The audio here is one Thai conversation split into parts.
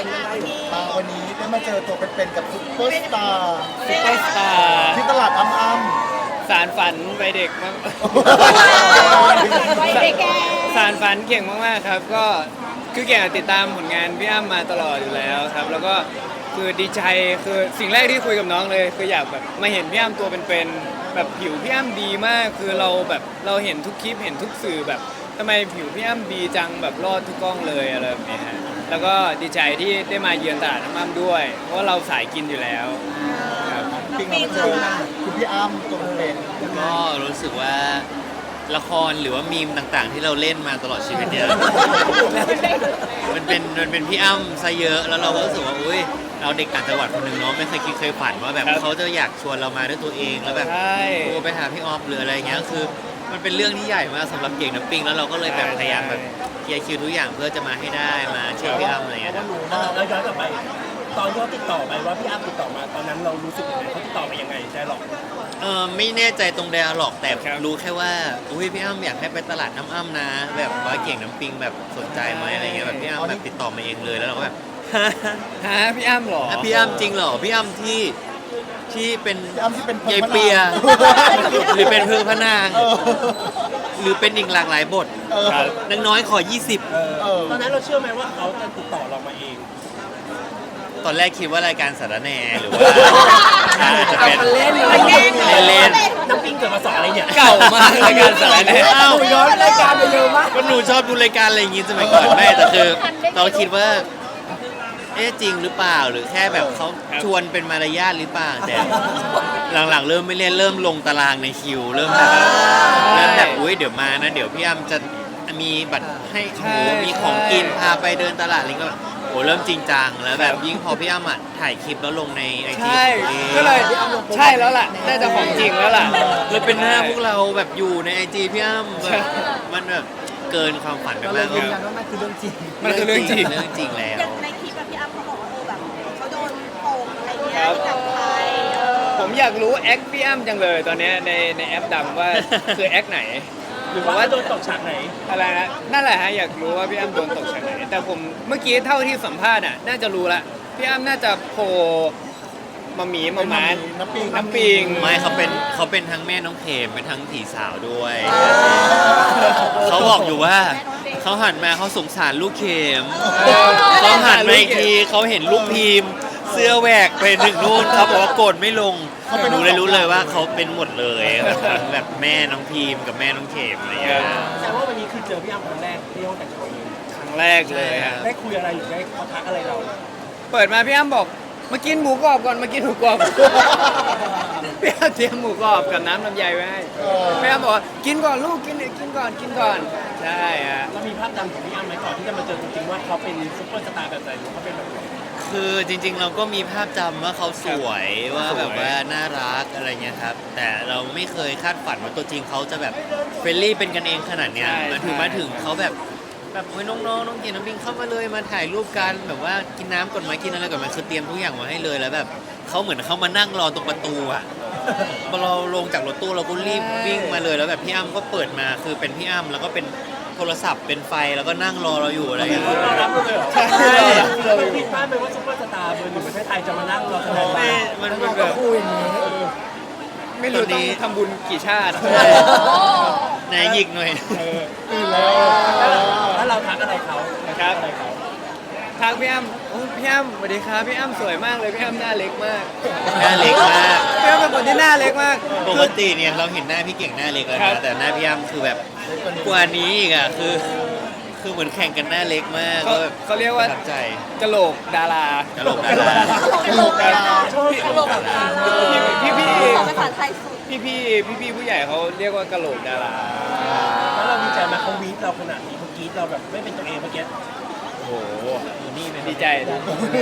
วันนี้ได้มาเจอตัวเป็นๆกับซุปเปอร์สตาร์ซุปเปอร์สตาร์ที่ตลาดอ้ำสารฝันวัยเด็กมากวัยเด็กแกสารฝันเก่งมากๆครับก็คือเก่งติดตามผลงานพี่อ้ำมาตลอดอยู่แล้วครับแล้วก็คือดีใจคือสิ่งแรกที่คุยกับน้องเลยคืออยากแบบมาเห็นพี่อ้ำตัวเป็นๆแบบผิวพี่อ้ำดีมากคือเราแบบเราเห็นทุกคลิปเห็นทุกสื่อแบบทำไมผิวพี่อ้ำดีจังแบบรอดทุกกล้องเลยอะไรแบบนี้ฮะแล้วก็ดีใจที่ได้มาเยือนตลาดน้ำอ้ำด้วย เพราะว่าเราสายกินอยู่แล้วครับๆปิงมาเจอคุณพี่อ้ำตัวเป็นๆก็รู้สึกว่าละครหรือว่ามีมต่างๆ ที่เราเล่นมาตลอดชีวิตเนี่ย มันเป็นพี่อ้ำซะเยอะแล้วเราก็รู้สึกว่าอุ้ยเราเด็กต่างจังหวัดคนหนึ่งเนาะไม่เคยคิดเคยฝันว่าแบบเขาจะอยากชวนเรามาด้วยตัวเองแล้วแบบใช่โทรไปหาพี่ออฟหรืออะไรเงี้ยคือมันเป็นเรื่องที่ใหญ่มากสำหรับเก่งน้ำปิงแล้วเราก็เลยแบบพยายามแบบเคลียร์คิวทุกอย่างเพื่อจะมาให้ได้มาช่วยพี่อ้ำอะไรเงี้ยครับแล้วย้อนกลับไปตอนที่เขาติดต่อไปว่าพี่อ้ำติดต่อมาตอนนั้นเรารู้สึกยังไงเขาติดต่อมายังไงได้หรอกไม่แน่ใจตรงไดอะล็อกแต่ครับรู้แค่ว่าอุ้ยพี่อ้ำอยากให้ไปตลาดน้ำอ้ำนะ แบบว่าเก่งน้ำปิงแบบสนใจไหมอะไรเงี้ยแบบพี่อ้ำแบบติดต่อมาเองเลยแล้วเราก็แบบฮะพี่อ้ำเหรอพี่อ้ำจริงเหรอพี่อ้ำที่เป็นพี่อ้ำที่เป็นยายเปีย หรือเป็นเพื่อพระนางเออหรือเป็นอีกหลากหลายบทครับนางน้อยขอตอนนั้นเราเชื่อไหมว่าเขาจะติดต่อเรามาเอง 20 ตอนแรกคิดว่ารายการสารแหน่หรือว่าจะเป็นเล่นเล่นน้ำปิงเกิดมาสอนอะไรเนี่ยเก่ามากรายการสารแหน่อ้าวย้อนรายการไปเยอะมากก็หนูชอบดูรายการอะไรอย่างงี้สมัยก่อนแม่แต่คือเราคิดว่า เอ๊ะจริงหรือเปล่าหรือแค่แบบเขาชวนเป็นมารยาทหรือเปล่าแต่หลังๆเริ่มไม่เล่นเริ่มลงตารางในคิวเริ่มแบบอุ้ยเดี๋ยวมานะเดี๋ยวพี่อ้ำจะมีบัตรให้โอ้มีของกินพาไปเดินตลาดอะไรก็แบบโอ้เริ่มจริงจังแล้วแบบยิ่งพอพี่อ้ำอ่ะถ่ายคลิปแล้วลงในไอจีใช่ก็เลยใช่แล้วล่ะน่าจะของจริงแล้วล่ะเลยเป็นหน้าพวกเราแบบอยู่ในไอจีพี่อ้ำแบบมันแบบเกินความฝันไปมากยืนยันว่ามันคือเรื่องจริงมันคือเรื่องจริงเรื่องจริงแล้วอย่างในคลิปแบบพี่อ้ำเขาบอกว่าแบบเขาโดนโป่งอะไรเงี้ยครับจากใครผมอยากรู้แอคพี่อ้ำจังเลยตอนเนี้ยในแอปดำว่าคือแอคไหนหรือว่าโดนตกฉากไหนอะไรนะนั่นแหละฮะอยากรู้ว่าพี่อ้ำโดนตกฉากไหนแต่ผมเมื่อกี้เท่าที่สัมภาษณ์อ่ะน่าจะรู้ละพี่อ้ำน่าจะโผล่มาหมีมาม้าน้ำปิงน้ำปิงไม่เขาเป็นทั้งแม่น้องเขมเป็นทั้งผีสาวด้วย เขาบอกอยู่ว่าเขาหันมาเขาสงสารลูกเขมเขาหันมาอีกทีเขาเห็นลูกพิมพ์ เสื้อแหวกไปถึงนู่นเขาบอกว่าโกรธไม่ลงหนูเลยรู้เลยว่าเขาเป็นหมดเลยแบบแม่น้องพิมพ์กับแม่น้องเขมอะไรอย่างเงี้ยแต่ว่าวันนี้คือเจอพี่อ้ำครั้งแรกที่ห้องแต่งตัวเองครั้งแรกเลยฮะได้คุยอะไรหรือได้เขาทักอะไรเราเปิดมาพี่อ้ำบอกมากินหมูกรอบก่อนมากินหมูกรอบ พี่อ้ำเตรียมหมูกรอบกับน้ำลำไยไว้ให้พี่อ้ำบอกว่ากินก่อนลูกกินก่อนใช่ฮะเรามีภาพจำของพี่อ้ำไหมก่อนที่จะมาเจอจริงๆว่าเขาเป็นซุปเปอร์สตาร์แบบไหนหรือเขาเป็นแบบไหนคือจริงๆเราก็มีภาพจำว่าเขาสวยว่าแบบว่าน่ารักอะไรเงี้ยครับแต่เราไม่เคยคาดฝันว่าตัวจริงเขาจะแบบเฟรนลี่เป็นกันเองขนาดเนี้ยมาถึงเขาแบบโอ้ยน้องๆน้องเกียรติน้ำปิงเข้ามาเลยมาถ่ายรูปกันแบบว่ากินน้ำก่อนไหมกินอะไรก่อนไหมคือเตรียมทุกอย่างมาให้เลยแล้วแบบเขาเหมือนเขามานั่งรอตรงประตูอะพอเราลงจากรถตู้เราก็รีบวิ่งมาเลยแล้วแบบพี่อ้ำก็เปิดมาคือเป็นพี่อ้ำแล้วก็เป็นโทรศัพท์เป็นไฟแล้วก็นั่งรอเราอยู่อะไรอย่างเงี้ยต้อนรับเลยเหรอใช่เราคิดว่าเป็นว่าซุปเปอร์สตาร์เบอร์หนึ่งประเทศไทยจะมานั่งรอแสดงไม่ว่ามันแบบไม่รู้ตอนนี้ต้องทำบุญกี่ชาติไหนหยิกหน่อยตื่นแล้วแล้วเราทักอะไรเขานะครับอะไรเขาทักพี่อ้ำโอ้พี่อ้ำสวัสดีครับพี่อ้ำสวยมากเลยพี่อ้ำหน้าเล็กมากหน้าเล็กมากพี่อ้ำเป็นคนที่หน้าเล็กมากปกติเนี่ยเราเห็นหน้าพี่เก่งหน้าเล็กแล้วครันะบแต่หน้าพี่อ้ำคือแบบกว่านี้อีกอ่ะคือเหมือนแข่งกันหน้าเล็กมากเขาก็แบบเขาเรียกว่าประทับใจกะโหลกดารากะโหลกดาราโลกดาราชอบตลกแบบพี่สอนภาษาไทยสุดพี่ผู้ใหญ่เขาเรียกว่ากะโหลกดาราแล้วเราดีใจไหมเขาวีดเราขนาดนี้เขากรีดเราแบบไม่เป็นตัวเองเมื่อกี้โอ้โหนี่ดีใจครับ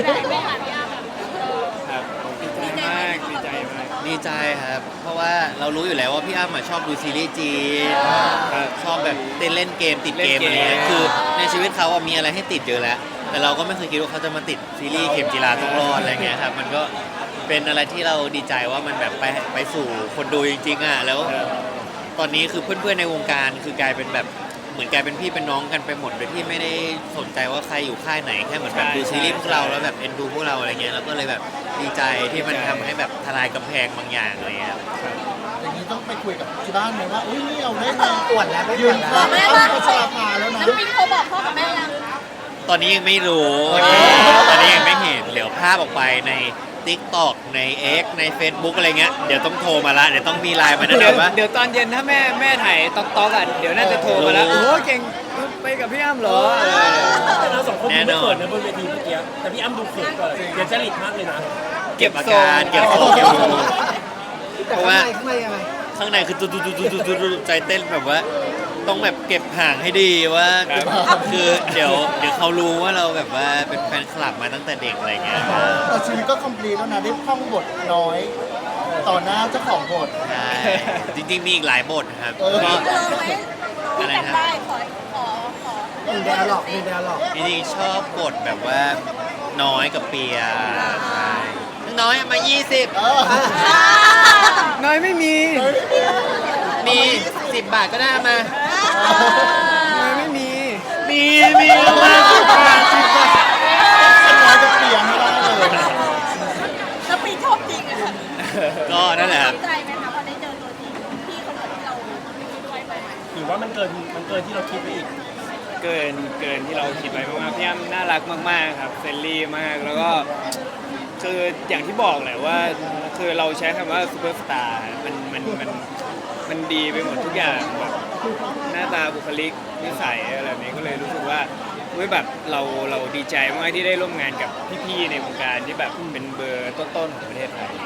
ดีใจมากดีใจมากดีใจครับ เพราะว่าเรารู้อยู่แล้วว่าพี่อ้ำอะชอบดูซีรีส์จีนครับชอบแบบเต้นเล่นเกมติดเกมเล่อะนเกมไรเงี้ยคือในชีวิตเขาอะมีอะไรให้ติดเยอะแล้ว แต่เราก็ไม่เคยคิดว่าเขาจะมาติดซีรีส์เข็มจีราต้องรอดอะไรเงี้ยครับมันก็เป็นอะไรที่เราดีใจว่ามันแบบไปสู่คนดูจริงๆอ่ะแล้ว ตอนนี้คือเพื่อนๆในวงการคือกลายเป็นแบบเหมือนกลายเป็นพี่เป็นน้องกันไปหมดโดยที่ไม่ได้สนใจว่าใครอยู่ค่ายไหนแค่เหมือนแบบใช่ดูซีรีส์พวกเราใช่แล้วแบบเอ็นดูพวกเราอะไรเงี้ยแล้วก็เลยแบบดีใจที่มันทำให้แบบทลายกำแพงบางอย่างอะไรเงี้ยอย่างนี้ต้องไปคุยกับที่บ้านไหมว่าอุ้ยนี่เราได้มาอวดแล้วไม่ยือวน ดแล้วข้างอ้ำพัชราภาแล้วนะน้ำปิงเขาบอกพ่อกับแม่ยังตอนนี้ยังไม่รู้ ตอนนี้ยังไม่เห็นเดี๋ยวภาพออกไปใน TikTok ใน X ใน Facebook อะไรเงี้ยเดี๋ยวต้องโทรมาละเดี๋ยวต้องมีไลน์มาแนะเดี๋ยวนำว่าเดี๋ยวตอนเย็นถ้าแม่ถ่ายต๊อกอ่ะเดี๋ยวน่าจะโทรมาแล้วรู้โอ้เก่งไปกับพี่อ้ำเหรอแต่เราสองคนดูแน่นไม่อนเขินนะบนเวทีเมื่อกี้แต่พี่อ้ำดูเขินกว่าเดี๋ยวจริตมากเลยนะเก็บอาทรงการเก็บทรงเก็บทรงแต่เพราะข้างว่าในข้างในยังไงข้างในคือตุใจเต้นแบบว่า ต้องแบบเก็บห่างให้ดีว่า คือเดี๋ยวเขารู้ว่าเราแบบว่าเป็นแฟนคลับมาตั้งแต่เด็กอะไรเงี้ยแต่ชีวิตก็คอมพลีทแล้วนะได้ท่องบทน้อย ต่อหน้าเจ้าของบทใช่จริงๆมีอีกหลายบทครับเออก็เจอไหมที่จำได้ขอหนึ่งเดียวหรอกหนึ่งเดียวหรอกจริงๆชอบบทแบบว่าน้อยกับเปียใช่น้อยมา 20 เออน้อยไม่มีมี 10 บาทก็ได้มาน้อยไม่มีมีมา10 บาท10 บาทน้อยจะเปลี่ยนไม่ได้เลยน้ำปิงชอบจริงอะค่ะก็นั่นแหละครับดีใจไหมคะพอได้เจอตัวจริงพี่คนเหมือนที่เราไว้ไปไหมหรือว่ามันเกินที่เราคิดไปอีกเกินที่เราคิดไว้มากๆพี่อ้ำน่ารักมากๆครับเฟรนลี่มากแล้วก็คืออย่างที่บอกแหละว่าคือเราใช้คำว่าซูเปอร์สตาร์มันดีไปหมดทุกอย่างแบบหน้าตาบุคลิกนิสัยอะไรแบบนี้ก็เลยรู้สึกว่าเว้ยแบบเราดีใจมากที่ได้ร่วมงานกับพี่ๆในวงการที่แบบเป็นเบอร์ต้นๆของประเทศไทย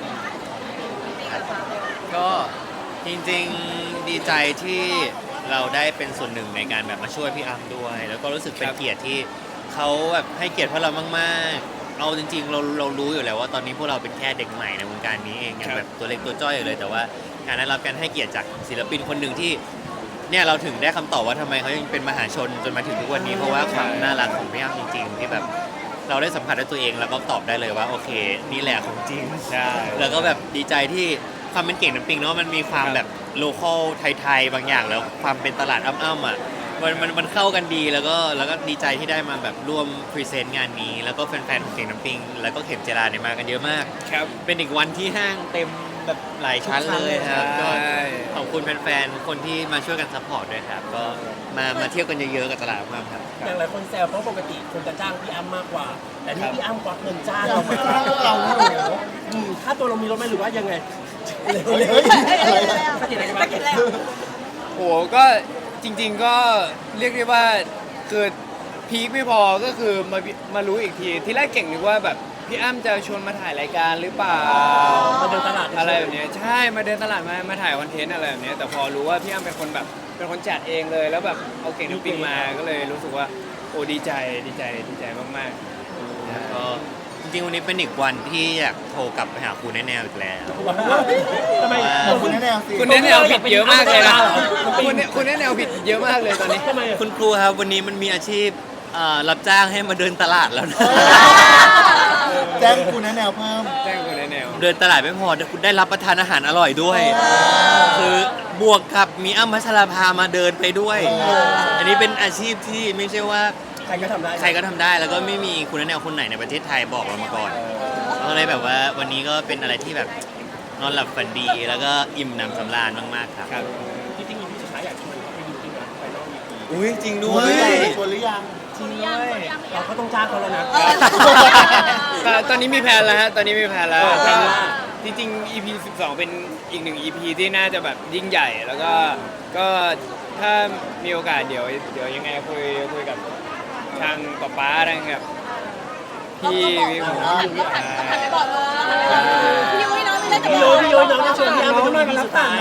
ก็จริงๆดีใจที่เราได้เป็นส่วนหนึ่งในการแบบมาช่วยพี่อ้ำด้วย แล้วก็รู้สึกเป็นเกียรติที่เขาแบบให้เกียรติพวกเรามากๆเอาจริงๆเรารู้อยู่แล้วว่าตอนนี้พวกเราเป็นแค่เด็กใหม่ในวงการนี้เองยังแบบตัวเล็กตัวจ้อยอยู่เลยแต่ว่าการได้รับการให้เกียรติจากศิลปินคนหนึ่งที่เนี่ยเราถึงได้คำตอบว่าทำไมเขายังเป็นมหาชนจนมาถึงทุกวันนี้เพราะว่าความน่ารักของพี่อ้ำจริงๆที่แบบเราได้สัมผัสด้วยตัวเองแล้วก็ตอบได้เลยว่าโอเคนี่แหละของจริงใช่แล้วก็แบบดีใจที่ความเป็นเก่งน้ำปิงเนาะมันมีความแบบโลคอลไทยๆบางอย่างแล้วความเป็นตลาดอ้ำๆอ่ะมันเข้ากันดีแล้วก็ดีใจที่ได้มาแบบร่วมพรีเซนต์งานนี้ แล้วก็แฟนๆของเก่งน้ำปิงแล้วก็เข็มเจราเนี่ยมากันเยอะมากครับเป็นอีกวันที่ห้างเต็มแบบหลายชั้นเลยครับใช่ก็ขอบคุณแฟนๆคนที่มาช่วยกันซัพพอร์ตด้วยครับก็มาเที่ยวกันเยอะๆกับตลาดอ้ำๆครับอย่างหลายคนแซวเพราะปกติคนจะจ้างพี่อ้ำมากกว่า แต่นี่พี่อ้ำควักเงินจ้างเราเราไม่มาจ้างพวกเราโอ้โหค่าตัวเรามีลดไหมหรือว่ายังไงเฮ้ยอะไรอะสกิดอะไรกันสบ้างกิดแล้วโอ้ก็จริงๆก็เรียกได้ว่าคือพีคไม่พอก็คือมารู้อีกทีที่แรกเก่งนึกว่าแบบพี่อ้ำจะชวนมาถ่ายรายการหรือเปล่ามาเดินตลาดอะไรแบบเนี้ยใช่มาเดินตลาดมาถ่ายคอนเทนต์อะไรแบบเนี้ยแต่พอรู้ว่าพี่อ้ำเป็นคนแบบเป็นคนจัดเองเลยแล้วแบบเอาเก่งน้ำปิงมาก็เลยรู้สึกว่าโอ้ดีใจมากๆแล้วก็จริงๆวันนี้เป็นอีกวันที่อยากโทรกลับไปหาครูแน่ๆอีกแล้วทำไมขอบคุณแน่ๆสิคุณแนะแนวผิดเยอะมากเลยนะคุณแนะแนวผิดเยอะมากเลยตอนนี้ทำไมคุณครูครับวันนี้มันมีอาชีพรับจ้างให้มาเดินตลาดแล้วนะแจ้งคุณแน่ๆเพิ่มแจ้งคุณแนะแนวเดินตลาดไม่พอคุณได้รับประทานอาหารอร่อยด้วย คือบวกกับมีอ้ำพัชราภามาเดินไปด้วย อันนี้เป็นอาชีพที่ไม่ใช่ว่าใครก็ทำได้ใครก็ทำได้แล้วก็ไม่มีคุณแนวคนไหนในประเทศไทยบอกเรามาก่อนก็เลยแบบว่าวันนี้ก็เป็นอะไรที่แบบนอนหลับฝันดีแล้วก็อิ่มหนำสำราญมากๆครับครับที่จริงมีพี่สุดท้ายอยากชวนเขาไปดูจริงนะไปนอกอีกทีอุ้ยจริงด้วเฮ้ยยชวนหรือยังจริงด้วยเราก็ต้องจ้างเขาแล้วนะตอนนี้มีแผนแล้วฮะตอนนี้มีแผนแล้วแผนว่าจริงๆ EP 12 เป็นอีกหนึ่ง EP ที่น่าจะแบบยิ่งใหญ่แล้วก็ถ้ามีโอกาสเดี๋ยวยังไงคุยกับทางป๊าทางแบบพี่ผมหันไปบอกน้องพี่ยุ้ยน้องไม่เล่นกับพี่น้องโยน้องจะชวนพี่อ้ำไปดู EP สุดท้าย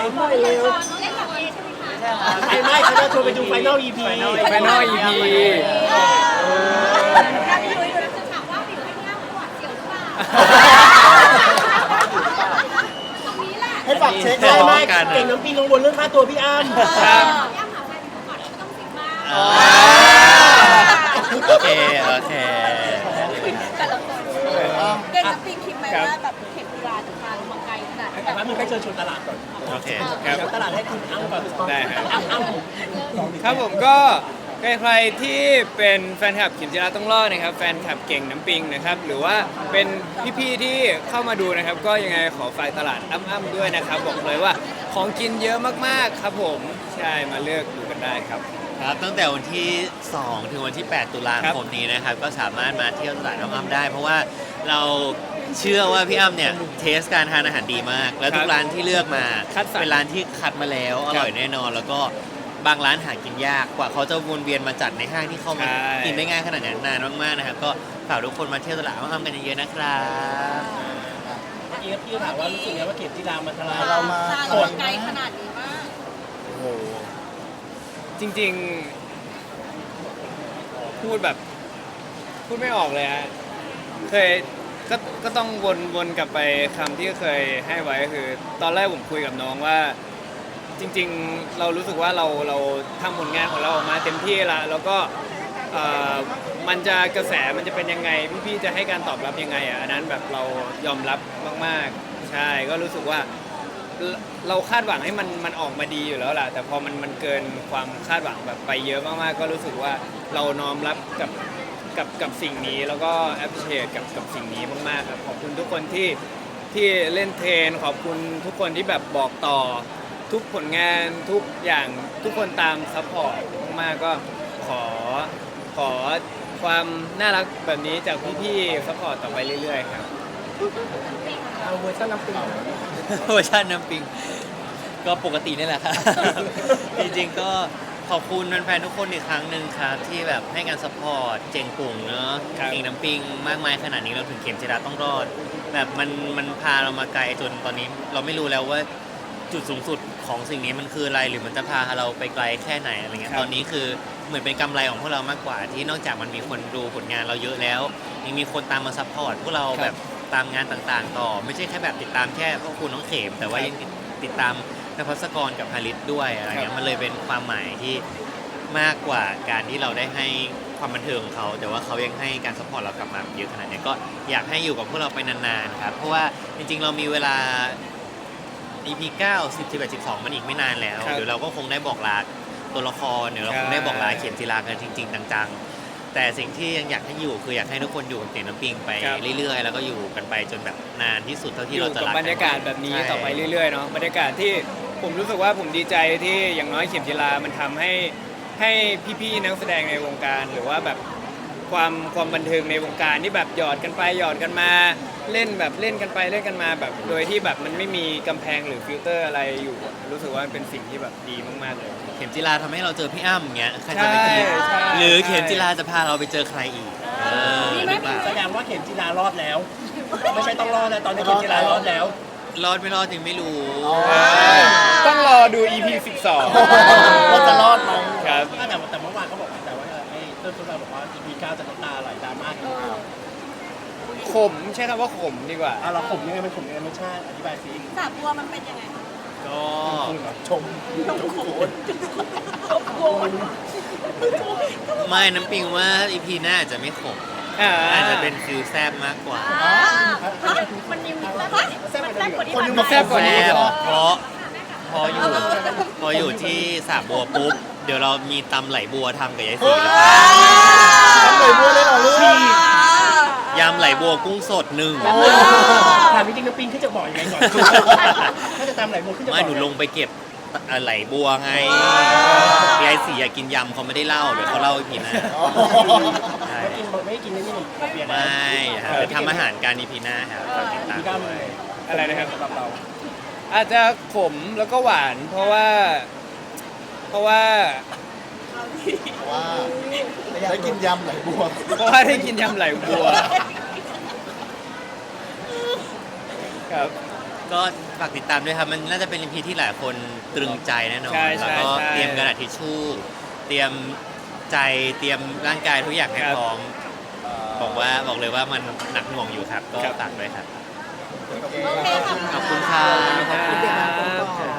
ไม่เขาจะชวนไปดูไฟนอล EP ไปนอก EP พี่ยุ้ยดูนะให้ฝากเช็คใช่ไหมกันอะเก่งน้ำปิงกังวลเรื่องค่าตัวพี่อ้ำครับโอเคโอเคแต่ละคนเก่งกับปิงคิดไหมว่าแบบเข็มกีฬาถึงมาไกลขนาดนี้แบบเชิญชวนตลาดก่อนโอเคครับเดี๋ยวตลาดให้คุณอ้ำก่อนได้ครับอ้ำครับผมก็ใครๆที่เป็นแฟนคลับเข็มจิราต้องรอดนะครับแฟนคลับเก่งน้ำปิงนะครับหรือว่าเป็นพี่ๆที่เข้ามาดูนะครับก็ยังไงขอฝากตลาดอ้ำๆด้วยนะครับบอกเลยว่าของกินเยอะมากๆครับผมใช่มาเลือกดูกันได้ครับครับตั้งแต่วันที่ 2 ถึงวันที่ 8 ตุลาคมนี้นะครับ ก็สามารถมาเที่ยวตลาดน้องอ้ำได้ เพราะว่าเราเชื่อว่าพี่อ้ำเนี่ยเทสการทานอาหารดีมาก แล้วทุกร้านที่เลือกมาคัดสรรเป็นร้านที่คัดมาแล้วอร่อยแน่นอน แล้วก็บางร้านหากินยากกว่าเขาจะวนเวียนมาจัดในห้างที่เข้ามากินได้ง่ายขนาดนั้นนานมากๆนะครับก็ฝากทุกคนมาเที่ยวตลาดน้องอ้ำกันเยอะๆนะครับเมื่อกี้พี่ถามว่ารู้สึกไงว่าเข็มจีรามันทลายเรามาสร้างไกลขนาดนี้มากโอ้โหจริงๆ พูดแบบพูดไม่ออกเลยฮะเคยก็ต้องวนกลับไปคำที่เคยให้ไว้คือ ตอนแรกผมคุยกับน้องว่า จริงๆเรารู้สึกว่าเราทำผลงานของเราออกมาเต็มที่ละแล้วก็มันจะกระแสมันจะเป็นยังไงพี่ๆจะให้การตอบรับยังไงอ่ะอันนั้นแบบเรายอมรับมากๆใช่ก็รู้สึกว่าเราคาดหวังให้มันออกมาดีอยู่แล้วแหละแต่พอมันเกินความคาดหวังแบบไปเยอะมากๆก็รู้สึกว่าเราน้อมรับกับสิ่งนี้แล้วก็ appreciate กับสิ่งนี้มากๆครับขอบคุณทุกคนที่เล่นเทรนขอบคุณทุกคนที่แบบบอกต่อทุกผลงานทุกอย่างทุกคนตามซัพพอร์ตมากๆก็ขอความน่ารักแบบนี้จากพี่ๆซัพพอร์ตต่อไปเรื่อยๆครับเอาเวอร์ชันน้ำปิงเวอร์ชันน้ำปิงก็ปกตินี่แหละครับ จริงๆก็ขอบคุณแฟนๆทุกคนอีกครั้งหนึ่งครับที่แบบให้การสปอร์ตเจงปุ่งเนอะครับเก่งน้ำปิงมากมายขนาดนี้เราถึงเข็มจิราต้องรอด แบบมันพาเรามาไกลจนตอนนี้เราไม่รู้แล้วว่าจุดสูงสุดของสิ่งนี้มันคืออะไรหรือมันจะพาเราไปไกลแค่ไหนอะไรเงี้ยตอนนี้คือเหมือนเป็นกำไรของพวกเรามากกว่า ที่นอกจากมันมีคนดูผลงานเราเยอะแล้วยังมีคนตามมาซัพพอร์ตพวกเราแบบตามงานต่างๆต่อไม่ใช่แค่แบบติดตามแค่พวกคุณน้องเข็มแต่ว่ายังติดตามนภัสกรกับฮาริสด้วยอะไรเงี้ยมันเลยเป็นความหมายที่มากกว่าการที่เราได้ให้ความบันเทิงของเขาแต่ว่าเขายังให้การซัพพอร์ตเรากลับมาเยอะขนาดนี้ก็อยากให้อยู่กับพวกเราไปนานๆครับเพราะว่าจริงๆเรามีเวลา EP 9 10 11 12มันอีกไม่นานแล้วครับเดี๋ยวเราก็คงได้บอกลาตัวละครเดี๋ยวเราคงได้บอกลาเขียนจีรากันจริง ๆ จังๆ แต่สิ่งที่ยังอยากให้อยู่คืออยากให้ทุกคนอยู่กับเตียงน้ำปิงไปครับเรื่อยๆ แล้วก็อยู่กันไปจนแบบนานที่สุดเท่าที่อยู่เราจะกับรักบรรยากาศแบบนี้ใช่ต่อไปเรื่อยๆเนาะบรรยากาศที่ผมรู้สึกว่าผมดีใจที่อย่างน้อยเข็มจีรามันทำให้พี่ๆนักแสดงในวงการหรือว่าแบบความบันเทิงในวงการที่แบบหยอดกันไปหยอดกันมาเล่นแบบเล่นกันไปเล่นกันมาแบบโดยที่แบบมันไม่มีกำแพงหรือฟิลเตอร์อะไรอยู่รู้สึกว่ามันเป็นสิ่งที่แบบดีมากๆเลยเข็มจีราทำให้เราเจอพี่อ้ำอย่างเงี้ยใครจะไปคิดใช่หรือเข็มจีราจะพาเราไปเจอใครอีกหรือเปล่าแสดงว่าเข็มจีรารอดแล้ว ไม่ใช่ต้องรอดแล้วตอนนี้เข็มจีรารอดแล้วรอดไม่รอดจริงไม่รู้ต้องรอดู EP ว่าจะรอดไหม 12 ครับแต่เมื่อวานเขาบอกแต่ว่าไอ้เติ้ลทุกเราบอกว่า EP 9จะน้ำตาไหลดราม่ากันขมใช้คำว่าขมดีกว่าเราข่มยังไงมันข่มยังไงไม่ใช่อธิบายสิสาบัวมันเป็นยังไงก็ชมไม่น้ำปิงว่า EP หน้าอาจจะไม่ขมอาจจะเป็นฟิลแซบมากกว่ามันมีแซ่บกว่านี้คนยังมาแซ่บกว่านี้แซ่บเหรอเพราะพออยู่ที่สระบัวปุ๊บ เดี๋ยวเรามีตำไหลบัวทำกับยายศรีแล้วทำเลยบัวเลยเหรอลูกยำไหลบัวกุ้งสดหนึ่งถามจริงๆน้ำปิงขึ้นจะบอกยังไงก่อนถ้าจะตามไหลบัวขึ้นจะบอกไม่หนูลงไปเก็บไหลบัวไงยายศรีอยากกินยำเขาไม่ได้เล่าเดี๋ยวเขาเล่าอีกทีนะใช่ไม่กินนี่เปลี่ยนไม่ครับเดี๋ยวทำอาหารการอีพีหน้าครับฝากติดตามพี่ก้าวด้เลวยยอะไรนะครับสำหรับเราอาจจะขมแล้วก็หวาน เพราะว่าว่าได้กินยำไหลบัวได้กินยำไหลบัวครับก็ฝากติดตามด้วยครับมันน่าจะเป็นอีพีที่หลายคนตรึงใจแน่นอนใช่แล้วใช่ก็ใช่เตรียมกระดาษทิชชู่เตรียมใจเตรียมร่างกายทุกอย่างให้ครับพร้อมบอกเลยว่ามันหนักหน่วงอยู่ครับก็ฝากด้วยครับโอเคค่ะขอบคุณครับครับ